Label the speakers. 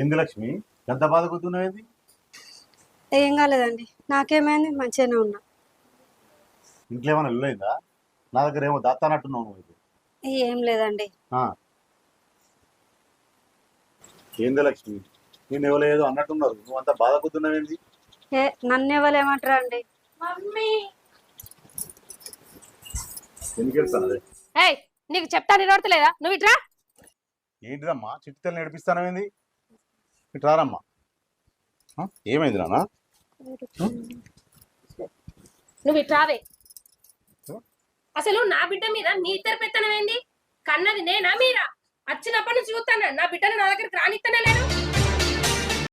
Speaker 1: ఏంది లక్ష్మి ఎంత బాధపడుతున్నావేంది?
Speaker 2: ఏం కాలేదండి, నాకేమైంది, మంచిగానే ఉన్నా.
Speaker 1: ఇంట్లో ఏమైనా ఇల్లైందా? నా దగ్గర ఏమో దాస్తానట్టున్నావు నువ్వు ఇది.
Speaker 2: ఏం లేదండి.
Speaker 1: ఆ, ఏంది లక్ష్మి నేను ఎవరో అన్నట్టున్నారు, నువ్వు అంత బాధపడుతున్నావేంది?
Speaker 2: నన్ను ఎవరు ఏమంటారా అండి?
Speaker 3: మమ్మీ
Speaker 1: ఎందుకు వెళ్తాను అదే?
Speaker 3: ఏయ్ నీకు చెప్తా నిలబడతలేదా నువ్వు ఇట్రా.
Speaker 1: ఏంటిదమ్మా చిట్టితల్లి నడిపిస్తానవేంది? ఇటు రారమ్మా. ఏమైంది నాన్న?
Speaker 3: నువ్వు ఇట్రావే. అసలు నా బిడ్డ మీద నీ ఇద్దరు పెత్తనమేంది? కన్నది నేనా మీరా? వచ్చినప్పటి నుంచి చూస్తాను నా బిడ్డను నా దగ్గరికి రానిత్తనే లేదు.